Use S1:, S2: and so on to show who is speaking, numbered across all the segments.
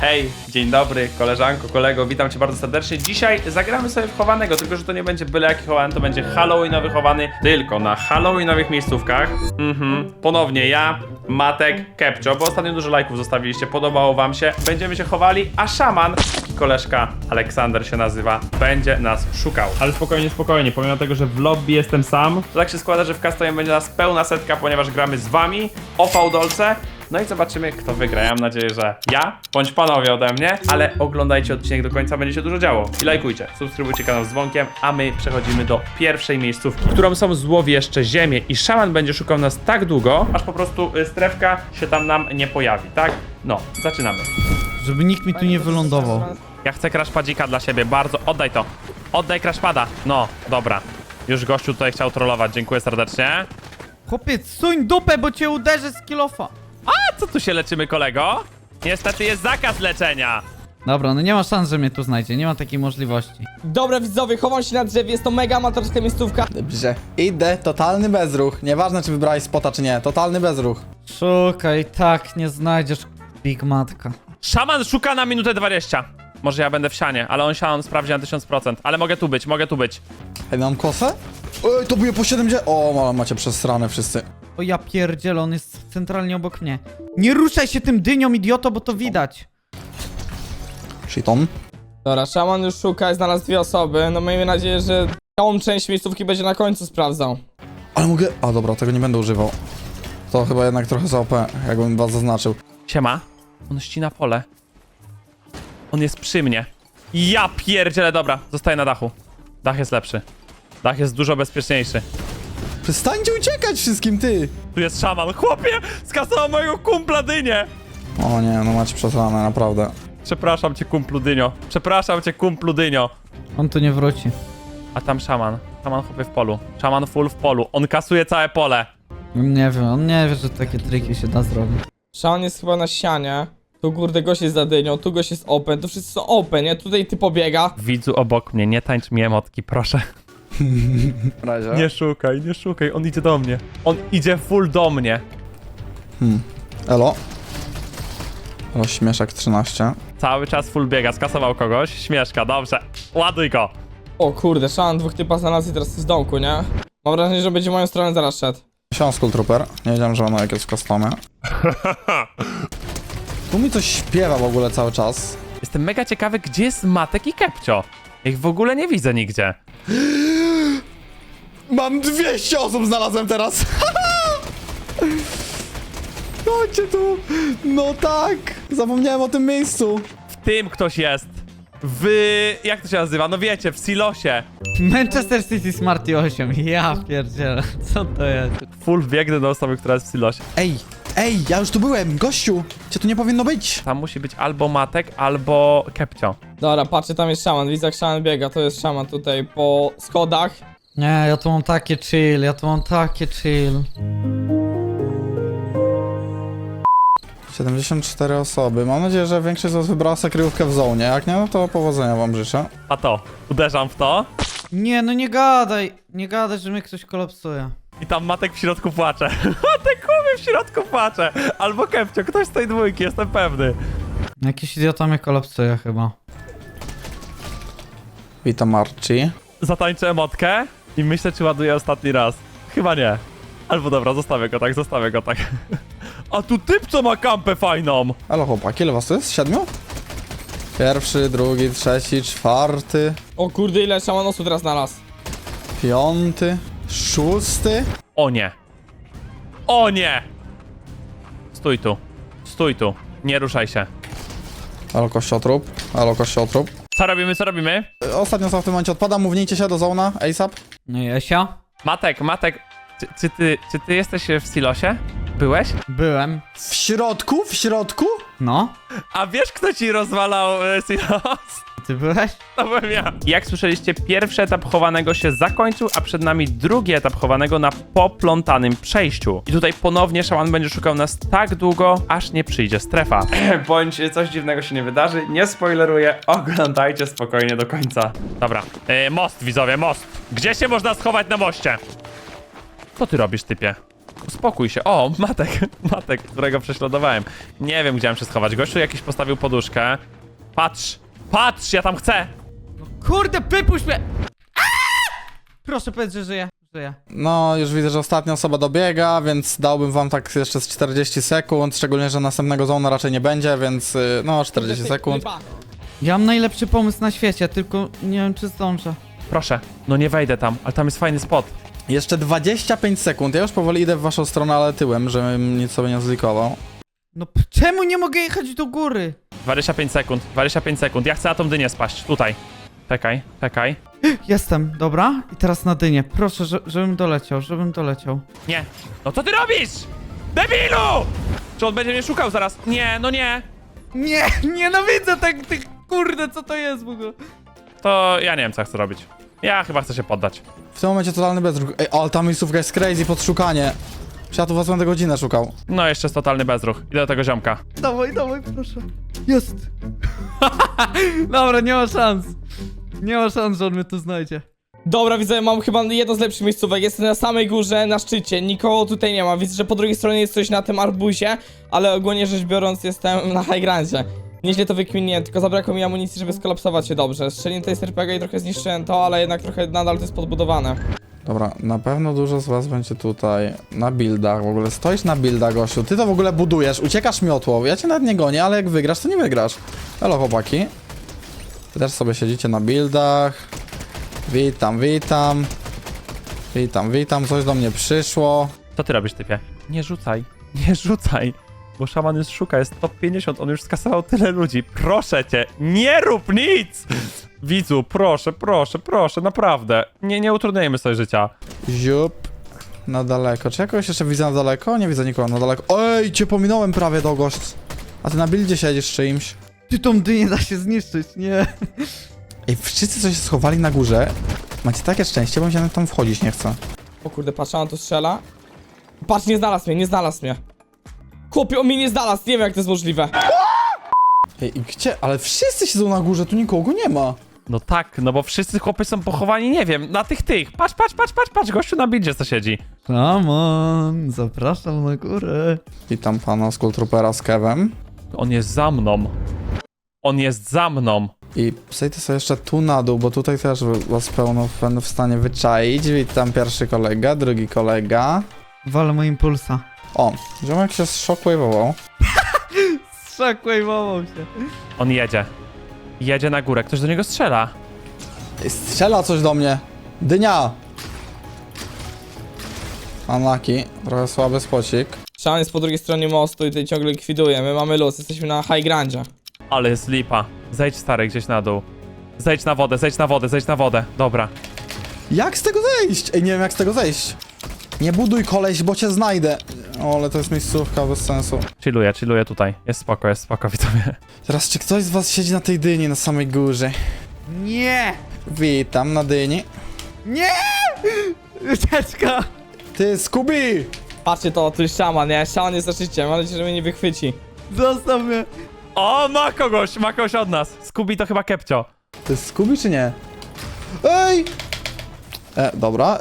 S1: Hej, dzień dobry, koleżanko, kolego, witam cię bardzo serdecznie. Dzisiaj zagramy sobie w chowanego, tylko że to nie będzie byle jaki chowany, to będzie halloweenowy chowany, tylko na halloweenowych miejscówkach. Ponownie ja, Matek, Kepcio, bo ostatnio dużo lajków zostawiliście, podobało wam się. Będziemy się chowali, a szaman, taki koleżka, Aleksander się nazywa, będzie nas szukał. Ale spokojnie, spokojnie, pomimo tego, że w lobby jestem sam, to tak się składa, że w Customie będzie nas pełna setka, ponieważ gramy z wami o fałdolce. No i zobaczymy, kto wygra. Ja mam nadzieję, że ja, bądź panowie ode mnie, ale oglądajcie odcinek do końca, będzie się dużo działo. I lajkujcie, subskrybujcie kanał z dzwonkiem, a my przechodzimy do pierwszej miejscówki, którą są złowieszcze ziemie i szaman będzie szukał nas tak długo, aż po prostu strefka się tam nam nie pojawi, tak? No, zaczynamy.
S2: Żeby nikt mi tu nie wylądował.
S1: Ja chcę crashpadzika dla siebie, bardzo, oddaj to. Oddaj crashpada. No, dobra. Już gościu tutaj chciał trollować, dziękuję serdecznie.
S2: Chłopiec, suń dupę, bo cię uderzę z kilofa.
S1: A co tu się leczymy, kolego? Niestety jest zakaz leczenia.
S2: Dobra, no nie ma szans, że mnie tu znajdzie, nie ma takiej możliwości.
S3: Dobra widzowie, chowam się na drzewie, jest to mega amatorska miejscówka.
S4: Dobrze, idę, totalny bezruch. Nieważne, czy wybrałeś spota, czy nie, totalny bezruch.
S2: Szukaj, tak, nie znajdziesz, Big Matka.
S1: Szaman szuka na minutę 20. Może ja będę w sianie, ale on siano sprawdzi na 1000%. Ale mogę tu być, mogę tu być.
S4: Ej, mam kosę? Ej, to bije po 70. O, macie przesrane wszyscy.
S2: O ja pierdzielę, on jest centralnie obok mnie. Nie ruszaj się tym dynią, idioto, bo to widać.
S4: Shiton.
S3: Dobra, szaman już szuka i znalazł dwie osoby. No miejmy nadzieję, że całą część miejscówki będzie na końcu sprawdzał.
S4: Ale mogę... A dobra, tego nie będę używał. To chyba jednak trochę za OP, jakbym was zaznaczył.
S1: Siema. On ścina pole. On jest przy mnie. Ja pierdzielę, dobra. Zostaję na dachu. Dach jest lepszy. Dach jest dużo bezpieczniejszy.
S4: Przestańcie uciekać wszystkim, ty!
S1: Tu jest szaman. Chłopie, skasował mojego kumpla dynię.
S4: O nie, no macie przesrane, naprawdę.
S1: Przepraszam cię, kumplu dynio. Przepraszam cię, kumplu dynio.
S2: On tu nie wróci.
S1: A tam szaman. Szaman chłopie w polu. Szaman full w polu. On kasuje całe pole.
S2: Nie wiem, on nie wie, że takie triki się da zrobić.
S3: Szaman jest chyba na ścianie. Tu kurde gość jest za dynią, tu gość jest open, tu wszyscy są open, nie? Tutaj ty pobiega.
S1: Widzu obok mnie, nie tańcz mi emotki, proszę.
S4: W razie.
S1: Nie szukaj, nie szukaj, on idzie do mnie. On idzie full do mnie.
S4: Elo. Śmieszek 13.
S1: Cały czas full biega, skasował kogoś. Śmieszka, dobrze. Ładuj go.
S3: O kurde, szaman dwóch typa znalazł i teraz jest w domku, nie? Mam wrażenie, że będzie w moją stronę zaraz szedł.
S4: Skull Trooper. Nie wiedziałem, że ono jak jest w customie. Tu mi coś śpiewa w ogóle cały czas.
S1: Jestem mega ciekawy, gdzie jest Matek i Kepcio. Ich w ogóle nie widzę nigdzie.
S4: Mam 200 osób znalazłem teraz. Chodźcie tu. No tak. Zapomniałem o tym miejscu.
S1: W tym ktoś jest. Jak to się nazywa? No wiecie, w silosie.
S2: Manchester City Smarty 8, ja pierdzielę, co to jest?
S1: Full biegnę do osoby, która jest w silosie.
S4: Ej, ja już tu byłem, gościu. Cię tu nie powinno być.
S1: Tam musi być albo Matek, albo Kepcio.
S3: Dobra, patrzę, tam jest szaman, widzę jak szaman biega, to jest szaman tutaj po schodach.
S2: Nie, ja tu mam takie chill, ja tu mam takie chill.
S4: 74 osoby. Mam nadzieję, że większość z was wybrała sobie kryjówkę w zonie. Jak nie, no to powodzenia wam życzę.
S1: A to, uderzam w to.
S2: Nie, no nie gadaj, że mnie ktoś kolapsuje.
S1: I tam Matek w środku płacze. Matek chłopie w środku płacze. Albo Kepcio, ktoś z tej dwójki, jestem pewny.
S2: Jakiś idiota mnie kolapsuje chyba.
S4: Witam Archie.
S1: Zatańczę emotkę i myślę, czy ładuję ostatni raz. Chyba nie. Albo dobra, zostawię go tak, zostawię go tak. A tu typ, co ma kampę fajną.
S4: Halo chłopaki, ile was tu jest? 7? Pierwszy, drugi, trzeci, czwarty,
S3: O kurde, ile szaman osób teraz znalazł.
S4: piąty, szósty.
S1: O nie. O nie. Stój tu. Stój tu. Nie ruszaj się.
S4: Halo kościotrup, halo kościotrup.
S1: Co robimy, co robimy?
S4: Ostatnio w tym momencie odpada, mównijcie się do zona, ASAP.
S2: No i Esia?
S1: Matek, czy ty jesteś w silosie? Byłeś?
S2: Byłem.
S4: W środku? W środku?
S2: No?
S1: A wiesz, kto ci rozwalał silos?
S2: Ty byłeś?
S1: To byłem ja. Jak słyszeliście, pierwszy etap chowanego się zakończył, a przed nami drugi etap chowanego na poplątanym przejściu. I tutaj ponownie szaman będzie szukał nas tak długo, aż nie przyjdzie strefa. Bądź coś dziwnego się nie wydarzy, nie spoileruję, oglądajcie spokojnie do końca. Dobra, most widzowie, most. Gdzie się można schować na moście? Co ty robisz, typie? Uspokój się. O, Matek, Matek, którego prześladowałem. Nie wiem, gdzie mam się schować. Gościu jakiś postawił poduszkę. Patrz, patrz, ja tam chcę.
S2: Kurde, wypuść mnie! Proszę powiedz, że żyję. Żyję.
S4: No, już widzę, że ostatnia osoba dobiega, więc dałbym wam tak jeszcze z 40 sekund, szczególnie, że następnego zona raczej nie będzie, więc no, 40 sekund.
S2: Ja mam najlepszy pomysł na świecie, tylko nie wiem, czy zdążę.
S1: Proszę, no nie wejdę tam, ale tam jest fajny spot.
S4: Jeszcze 25 sekund, ja już powoli idę w waszą stronę, ale tyłem, żebym nic sobie nie zlikował.
S2: No czemu nie mogę jechać do góry?
S1: 25 sekund, 25 sekund. Ja chcę na tą dynię spaść, tutaj. Czekaj, czekaj.
S2: Jestem, dobra? I teraz na dynię. Proszę, żebym doleciał.
S1: Nie. No co ty robisz? Debilu! Czy on będzie mnie szukał zaraz? Nie, no nie.
S2: Nie, nienawidzę tych, kurde, co to jest w ogóle?
S1: To ja nie wiem, co ja chcę robić. Ja chyba chcę się poddać.
S4: W tym momencie totalny bezruch. Ej, ale ta miejscówka jest crazy pod szukanie. Czy ja tu was będę godzinę szukał?
S1: No jeszcze jest totalny bezruch. Idę do tego ziomka.
S2: Dawaj, proszę. Jest. Dobra, nie ma szans. Nie ma szans, że on mnie tu znajdzie.
S3: Dobra, widzę, mam chyba jedno z lepszych miejscówek. Jestem na samej górze, na szczycie. Nikogo tutaj nie ma. Widzę, że po drugiej stronie jest coś na tym arbuzie, ale ogólnie rzecz biorąc jestem na high grandzie. Nieźle to wykminiłem, tylko zabrakło mi amunicji, żeby skolapsować się dobrze. Strzeliłem tutaj z RPG i trochę zniszczyłem to, ale jednak trochę nadal to jest podbudowane.
S4: Dobra, na pewno dużo z was będzie tutaj na buildach w ogóle. Stoisz na buildach, gościu. Ty to w ogóle budujesz, uciekasz miotłą. Ja cię nawet nie gonię, ale jak wygrasz, to nie wygrasz. Halo, chłopaki. Wy też sobie siedzicie na buildach. Witam, witam. Witam, coś do mnie przyszło.
S1: Co ty robisz, typie? Nie rzucaj, nie rzucaj. Bo szaman już szuka, jest top 50, on już skasował tyle ludzi. Proszę cię, nie rób nic! Widzu, proszę, naprawdę. Nie utrudniajmy sobie życia.
S4: Ziup. Na daleko. Czy jakoś jeszcze widzę na daleko? Nie widzę nikogo na daleko. Ej, cię pominąłem prawie do gość. A ty na buildzie siedzisz z czymś.
S2: Ty tą dynię da się zniszczyć, nie.
S4: Ej, wszyscy co się schowali na górze. Macie takie szczęście, bo mi się tam wchodzić nie chce.
S3: O kurde, patrz, on tu strzela. Patrz, nie znalazł mnie. Chłopie, on mnie nie znalazł, nie wiem jak to jest możliwe.
S4: Ej, i gdzie? Ale wszyscy siedzą na górze, tu nikogo nie ma.
S1: No tak, no bo wszyscy chłopy są pochowani, nie wiem, na tych. Patrz, gościu na bildzie co siedzi.
S2: Szamon, zapraszam na górę.
S4: Witam pana Skulltroopera z Kevem.
S1: On jest za mną. On jest za mną.
S4: I zejdę sobie jeszcze tu na dół, bo tutaj też was pełno będę w stanie wyczaić. Witam pierwszy kolega, drugi kolega.
S2: Walę mu impulsa.
S4: O, ziomek się shockwave'ował.
S2: Shockwave'ował się.
S1: On jedzie. Jedzie na górę, ktoś do niego strzela.
S4: Ej, strzela coś do mnie. Dynia! Unlucky, trochę słaby spocik.
S3: Szaman jest po drugiej stronie mostu i tutaj ciągle likwiduje. My mamy luz, jesteśmy na high grandzie.
S1: Ale jest lipa. Zejdź stary gdzieś na dół. Zejdź na wodę. Dobra.
S4: Jak z tego zejść? Ej, nie wiem jak z tego zejść. Nie buduj koleś, bo cię znajdę. O, ale to jest miejscówka bez sensu.
S1: Chilluję tutaj. Jest spoko, widzowie.
S4: Teraz, czy ktoś z was siedzi na tej dyni na samej górze?
S2: Nie!
S4: Witam na dyni.
S2: Nie! Ucieczka!
S4: Ty, Scooby!
S3: Patrzcie to, tu jest szaman, nie? Szaman jest za życiem, mam nadzieję, że mnie nie wychwyci.
S2: Zostaw mnie!
S1: O, ma kogoś od nas. Scooby to chyba Kepcio.
S4: To jest Scooby czy nie? Ej! Dobra.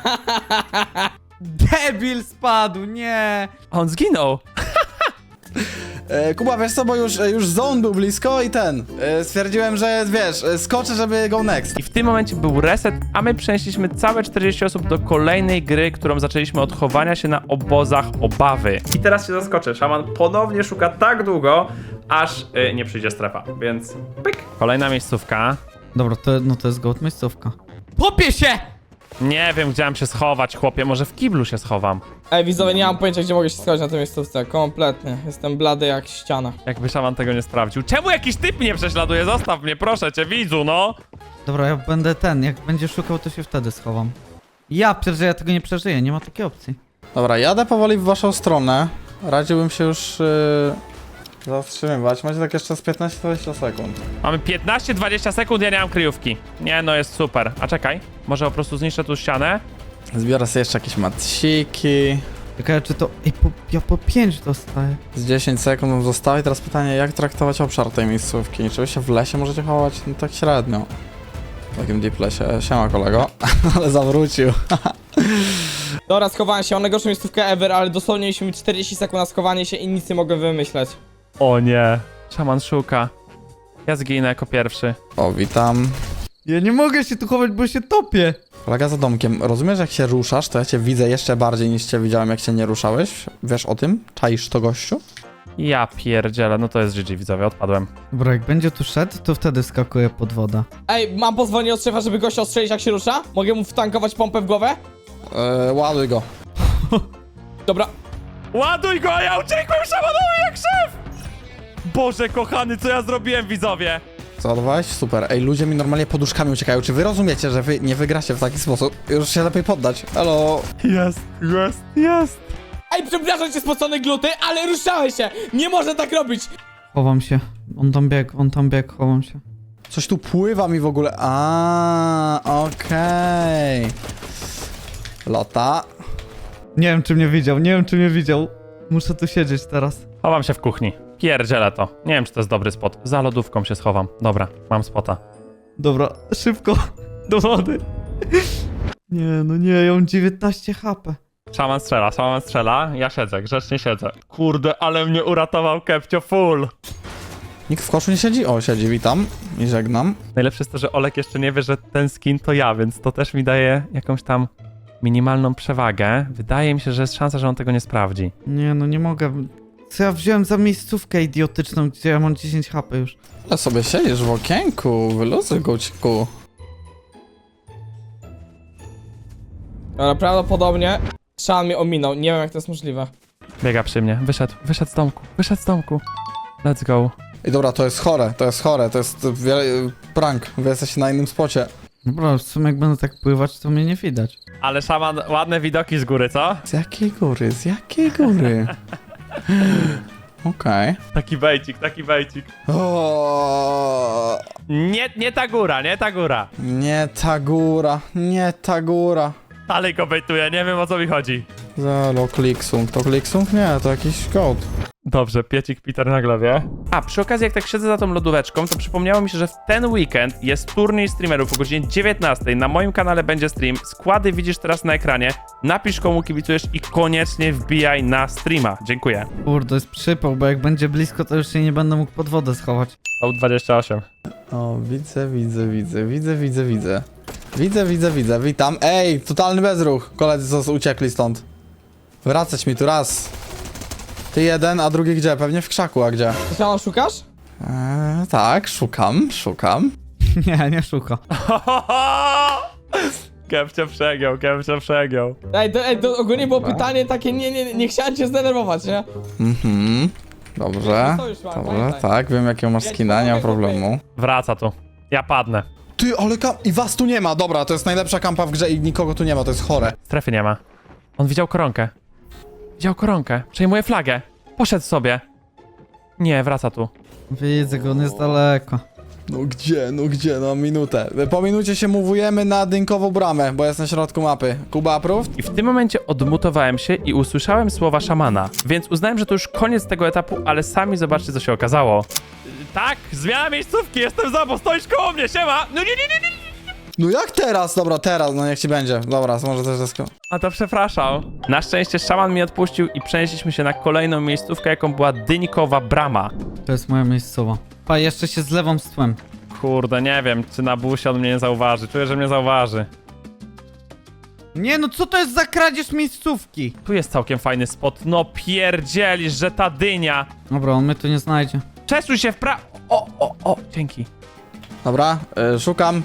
S2: Debil spadł, nie!
S1: A on zginął.
S4: Kuba, wiesz co, bo już zone był blisko i stwierdziłem, że wiesz, skoczę, żeby go next.
S1: I w tym momencie był reset, a my przenieśliśmy całe 40 osób do kolejnej gry, którą zaczęliśmy od chowania się na obozach obawy. I teraz się zaskoczę, szaman ponownie szuka tak długo, aż nie przyjdzie strefa, więc pyk. Kolejna miejscówka.
S2: Dobra, to jest gołd miejscówka. Popie się!
S1: Nie wiem, gdzie mam się schować, chłopie, może w kiblu się schowam.
S3: Ej, widzowie, nie mam pojęcia, gdzie mogę się schować na tej miejscówce. Kompletnie. Jestem blady jak ściana.
S1: Jakby szaman tego nie sprawdził. Czemu jakiś typ mnie prześladuje? Zostaw mnie, proszę cię, widzu, no!
S2: Dobra, ja będę jak będzie szukał, to się wtedy schowam. Ja tego nie przeżyję, nie ma takiej opcji.
S4: Dobra, jadę powoli w waszą stronę. Radziłbym się już zatrzymywać. Macie tak jeszcze z 15-20 sekund.
S1: Mamy 15-20 sekund, ja nie mam kryjówki. Nie, no jest super. A czekaj, może po prostu zniszczę tu ścianę?
S4: Zbiorę sobie jeszcze jakieś matsiki.
S2: Ciekawe, czy to... Ej, ja po 5 dostaję.
S4: Z 10 sekund mam zostało i teraz pytanie, jak traktować obszar tej miejscówki? Czy wy się w lesie możecie chować? No tak średnio. W takim deep lesie. Siema kolego. Ale zawrócił.
S3: Dobra, schowałem się, mam najgorszą miejscówkę ever, ale dosłownie mieliśmy 40 sekund na schowanie się i nic nie mogę wymyśleć.
S1: O nie. Szaman szuka. Ja zginę jako pierwszy.
S4: O, witam.
S2: Ja nie mogę się tu chować, bo się topię.
S4: Kolega za domkiem, rozumiesz, jak się ruszasz, to ja cię widzę jeszcze bardziej niż cię widziałem, jak się nie ruszałeś? Wiesz o tym? Czaisz to, gościu?
S1: Ja pierdzielę, no to jest GG, widzowie, odpadłem.
S2: Dobra, jak będzie tu szedł, to wtedy skakuję pod wodę.
S3: Ej, mam pozwolenie od szefa, żeby gościa ostrzelić jak się rusza? Mogę mu wtankować pompę w głowę?
S4: Ładuj go.
S3: Dobra.
S1: Ładuj go, ja uciekłem szamanowi jak szef! Boże kochany, co ja zrobiłem, widzowie?
S4: Załadowałeś? Super. Ej, ludzie mi normalnie poduszkami uciekają. Czy wy rozumiecie, że wy nie wygracie w taki sposób? Już się lepiej poddać. Elo.
S1: Jest.
S3: Ej, przepraszam cię, spocone gluty, ale ruszałeś się! Nie można tak robić!
S2: Chowam się. On tam biegł, chowam się.
S4: Coś tu pływa mi w ogóle. Okej. Lota.
S2: Nie wiem, czy mnie widział. Muszę tu siedzieć teraz.
S1: Chowam się w kuchni. Pierdzielę to. Nie wiem, czy to jest dobry spot. Za lodówką się schowam. Dobra, mam spota.
S2: Dobra, szybko. Do wody. Nie, ja mam 19 HP.
S1: Szaman strzela. Ja siedzę, grzecznie siedzę. Kurde, ale mnie uratował Kepcio full.
S4: Nikt w koszu nie siedzi? O, siedzi, witam i żegnam.
S1: Najlepsze jest to, że Olek jeszcze nie wie, że ten skin to ja, więc to też mi daje jakąś tam minimalną przewagę. Wydaje mi się, że jest szansa, że on tego nie sprawdzi.
S2: Nie mogę. Co ja wziąłem za miejscówkę idiotyczną, gdzie ja mam 10 HP już.
S4: Ale sobie siedzisz w okienku, wyluzuj guciku.
S3: Dobra, prawdopodobnie Szaman mnie ominął, nie wiem jak to jest możliwe.
S1: Biega przy mnie. Wyszedł z domku. Let's go.
S4: I dobra, to jest chore, to jest prank, wy jesteście na innym spocie.
S2: Dobra, w sumie jak będę tak pływać, to mnie nie widać.
S1: Ale szaman, ładne widoki z góry, co?
S4: Z jakiej góry? Okej.
S1: Taki bejcik.
S4: O,
S1: Nie ta góra.
S4: nie ta góra.
S1: Dalej go bejtuję, nie wiem o co mi chodzi.
S4: Zalo, kliksung. To kliksung? Nie, to jakiś code.
S1: Dobrze, piecik Peter na głowie. A, przy okazji jak tak siedzę za tą lodóweczką, to przypomniało mi się, że w ten weekend jest turniej streamerów o godzinie 19. Na moim kanale będzie stream. Składy widzisz teraz na ekranie. Napisz komu kibicujesz i koniecznie wbijaj na streama. Dziękuję.
S2: Kurde, jest przypał, bo jak będzie blisko, to już się nie będę mógł pod wodę schować.
S1: To 28.
S4: O, widzę, witam. Ej, totalny bezruch. Koledzy co uciekli stąd. Wracać mi tu raz. Ty jeden, a drugi gdzie? Pewnie w krzaku, a gdzie?
S3: Ty Szaman szukasz?
S4: Tak, szukam.
S2: Nie szuka.
S1: Kepcio przegiął.
S3: Ej, to ogólnie było pytanie takie, nie chciałem cię zdenerwować, nie?
S4: Dobrze,
S3: To już mam,
S4: dobrze,
S3: pamiętaj.
S4: tak, wiem jakiego masz skina, nie ma problemu.
S1: Wraca tu. Ja padnę.
S4: Ty, ale i was tu nie ma, dobra, to jest najlepsza kampa w grze i nikogo tu nie ma, to jest chore.
S1: Strefy nie ma. On widział koronkę. Przejmuje flagę. Poszedł sobie. Nie, wraca tu.
S2: Widzę go, on jest daleko.
S4: No gdzie, no minutę. Po minucie się mówujemy na dynkową bramę, bo jest na środku mapy. Kuba approved?
S1: I w tym momencie odmutowałem się i usłyszałem słowa szamana. Więc uznałem, że to już koniec tego etapu, ale sami zobaczcie, co się okazało. Tak, zmiana miejscówki, jestem za, bo stoisz koło mnie, siema! No nie.
S4: No jak teraz? Dobra, teraz, no niech ci będzie. Dobra, może też desko.
S1: A to przepraszam. Na szczęście szaman mnie odpuścił i przenieśliśmy się na kolejną miejscówkę, jaką była dynikowa brama.
S2: To jest moja miejscowa. Pa, jeszcze się zlewam z tłem.
S1: Kurde, nie wiem, czy na busie on mnie nie zauważy. Czuję, że mnie zauważy.
S2: Nie no, co to jest za kradzież miejscówki?
S1: Tu jest całkiem fajny spot. No pierdzielisz, że ta dynia.
S2: Dobra, on mnie tu nie znajdzie.
S1: Przesuń się w O, dzięki.
S4: Dobra, szukam.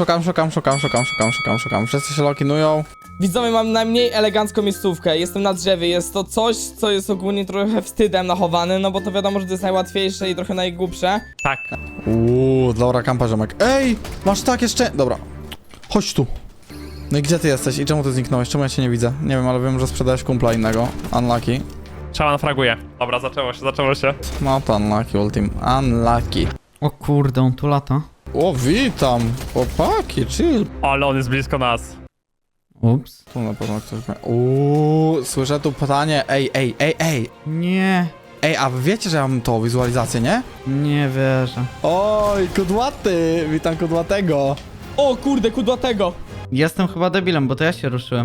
S4: Wszyscy się lokinują.
S3: Widzowie, mam najmniej elegancką miejscówkę, jestem na drzewie, jest to coś, co jest ogólnie trochę wstydem nachowane, no bo to wiadomo, że to jest najłatwiejsze i trochę najgłupsze.
S1: Tak.
S4: Dobra kampa, ziomek. Ej, masz tak jeszcze... Dobra, chodź tu. No i gdzie ty jesteś i czemu ty zniknąłeś? Czemu ja cię nie widzę? Nie wiem, ale wiem, że sprzedałeś kumpla innego. Unlucky.
S1: Szaman fraguje. Dobra, zaczęło się.
S4: No to unlucky ultim. Unlucky.
S2: O kurde, on tu lata.
S4: O, witam. Chłopaki, chill.
S1: Ale on jest blisko nas.
S2: Ups.
S4: Tu na pewno ktoś... Słyszę tu pytanie. Ej.
S2: Nie,
S4: Ej, a wy wiecie, że ja mam tą wizualizację, nie?
S2: nie wierzę.
S4: Oj, kudłaty. Witam kudłatego.
S3: O kurde, kudłatego!
S2: Jestem chyba debilem, bo to ja się ruszyłem.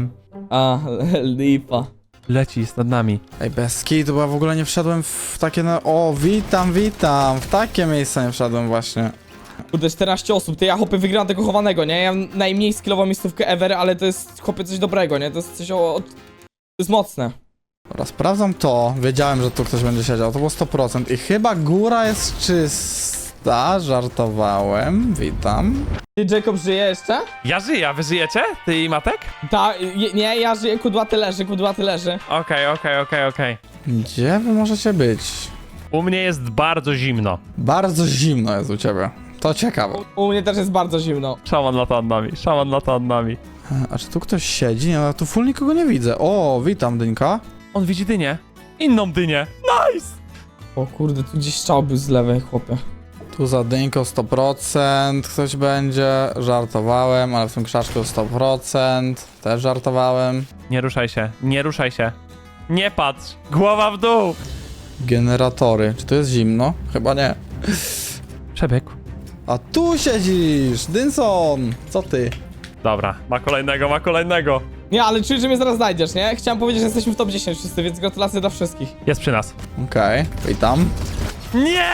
S3: A, lipa.
S1: Leci, jest nad nami.
S4: Ej, bez kitu, bo ja w ogóle nie wszedłem w takie O, witam, witam. W takie miejsce nie wszedłem właśnie.
S3: Kurde, 14 osób, to ja chłopie wygrałem tego chowanego, nie? Ja mam najmniej skillową miejscówkę ever, ale to jest chłopie coś dobrego, nie? To jest coś to jest mocne.
S4: Dobra, sprawdzam to. Wiedziałem, że tu ktoś będzie siedział. To było 100%. I chyba góra jest czysta. Żartowałem. Witam.
S3: Ty, Jacob, żyje jeszcze?
S1: Ja żyję, a wy żyjecie? Ty i Matek?
S3: Nie, ja żyję, kudłaty leży.
S1: Okej.
S4: Gdzie wy możecie być?
S1: U mnie jest bardzo zimno.
S4: Bardzo zimno jest u ciebie. To ciekawe.
S3: U mnie też jest bardzo zimno.
S1: Szaman lata nad nami.
S4: A czy tu ktoś siedzi? Nie, no tu full nikogo nie widzę. O, witam, Dynka.
S1: On widzi dynię. Inną dynię. Nice!
S3: O kurde, tu gdzieś strzał był z lewej, chłopie.
S4: Tu za Dynką 100% ktoś będzie. Żartowałem, ale w tym krzaczku 100%. Też żartowałem.
S1: Nie ruszaj się, nie ruszaj się. Nie patrz! Głowa w dół!
S4: Generatory. Czy tu jest zimno? Chyba nie.
S1: Przebiegł.
S4: A tu siedzisz! Dynson! Co ty?
S1: Dobra, ma kolejnego.
S3: Nie, ale czuję, że mnie zaraz znajdziesz, nie? Chciałem powiedzieć, że jesteśmy w top 10 wszyscy, więc gratulacje dla wszystkich.
S1: Jest przy nas.
S4: Okej, witam.
S1: Nie!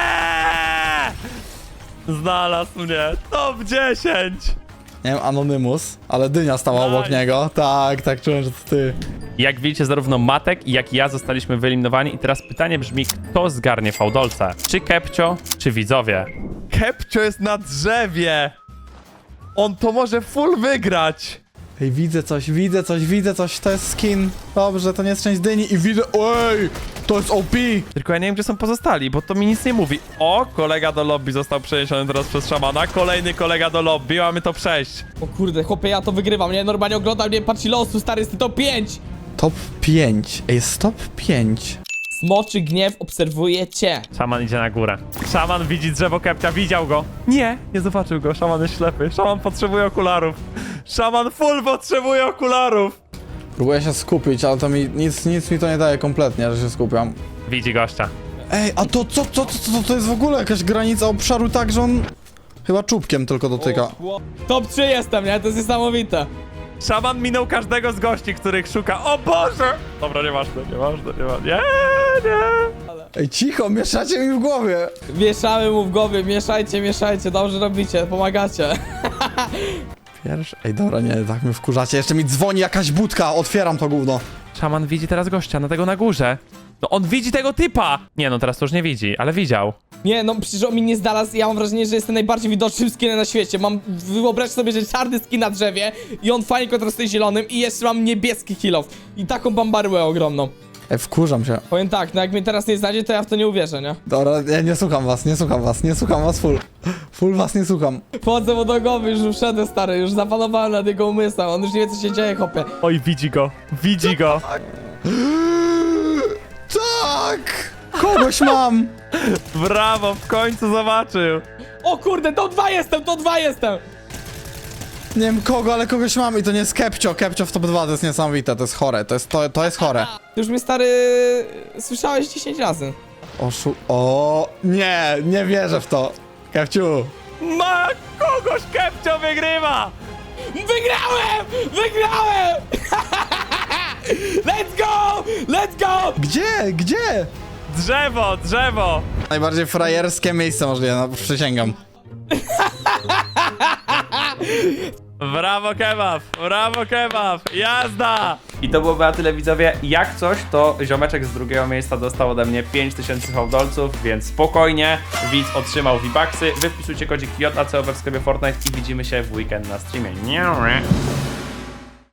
S1: Znalazł mnie. Top 10!
S4: Nie wiem, Anonymous, ale Dynia stała obok
S1: Nice.
S4: niego. Tak, czułem, że to ty.
S1: Jak widzicie, zarówno Matek, jak i ja zostaliśmy wyeliminowani i teraz pytanie brzmi, kto zgarnie fałdolce? Czy Kepcio, czy widzowie? Kepcio jest na drzewie! On to może full wygrać!
S4: Ej, widzę coś, to jest skin. Dobrze, to nie jest część Dyni i widzę... Ej, to jest OP!
S1: Tylko ja nie wiem, gdzie są pozostali, bo to mi nic nie mówi. O, kolega do lobby został przeniesiony teraz przez szamana. Kolejny kolega do lobby, mamy to przejść.
S3: O kurde, chłopie, ja to wygrywam, nie? Normalnie oglądam, nie? Patrz ile osób, stary, jest top 5!
S4: Top 5. Ej, jest top 5.
S3: Smoczy gniew obserwuje cię.
S1: Szaman idzie na górę. Szaman widzi drzewo Kepcia, widział go. Nie zobaczył go, szaman jest ślepy. Szaman potrzebuje okularów. Szaman full potrzebuje okularów.
S4: Próbuję się skupić, ale to mi nic mi to nie daje kompletnie, że się skupiam.
S1: Widzi gościa.
S4: Ej, a to co to jest w ogóle jakaś granica obszaru tak, że on chyba czubkiem tylko dotyka.
S3: Top 3 jestem, nie? To jest niesamowite.
S1: Szaman minął każdego z gości, których szuka. O Boże! Dobra, nieważne. Nie.
S4: Ej, cicho, mieszacie mi w głowie.
S3: Mieszamy mu w głowie, mieszajcie, dobrze robicie, pomagacie.
S4: Pierwszy... Ej, dobra, nie, tak mnie wkurzacie. Jeszcze mi dzwoni jakaś budka, otwieram to gówno.
S1: Szaman widzi teraz gościa, na tego na górze. No on widzi tego typa! Nie no, teraz to już nie widzi, ale widział.
S3: Nie, no przecież on mi nie znalazł, ja mam wrażenie, że jestem najbardziej widocznym skinem na świecie. Wyobraź sobie, że czarny skin na drzewie i on fajnie kontrastuje zielonym i jeszcze mam niebieski kill off. I taką bambaryłę ogromną.
S4: Ej, wkurzam się.
S3: Powiem tak, no jak mnie teraz nie znajdzie, to ja w to nie uwierzę, nie?
S4: Dobra, ja nie słucham was full. Full was nie słucham.
S3: Wchodzę mu do głowy, już wszedłem, stary, już zapanowałem nad jego umysłem, on już nie wie, co się dzieje, chłopie.
S1: Oj, widzi go.
S4: Tak! Kogoś mam!
S1: Brawo, w końcu zobaczył.
S3: O kurde, to 2 jestem!
S4: Nie wiem kogo, ale kogoś mam i to nie jest Kepcio. Kepcio w top 2 to jest niesamowite, to jest chore, to jest chore.
S3: Ty już mnie, stary, słyszałeś 10 razy.
S4: O, nie wierzę w to. Kepciu.
S1: Ma kogoś, Kepcio wygrywa!
S3: Wygrałem! Let's go!
S4: Gdzie?
S1: Drzewo!
S4: Najbardziej frajerskie miejsce możliwe, no przysięgam.
S1: Brawo kebab, jazda! I to byłoby na tyle, widzowie. Jak coś, to ziomeczek z drugiego miejsca dostał ode mnie 5000 hołdolców, więc spokojnie, widz otrzymał V-Bucksy. Wy wpisujcie kodzik JACOB w sklepie Fortnite i widzimy się w weekend na streamie.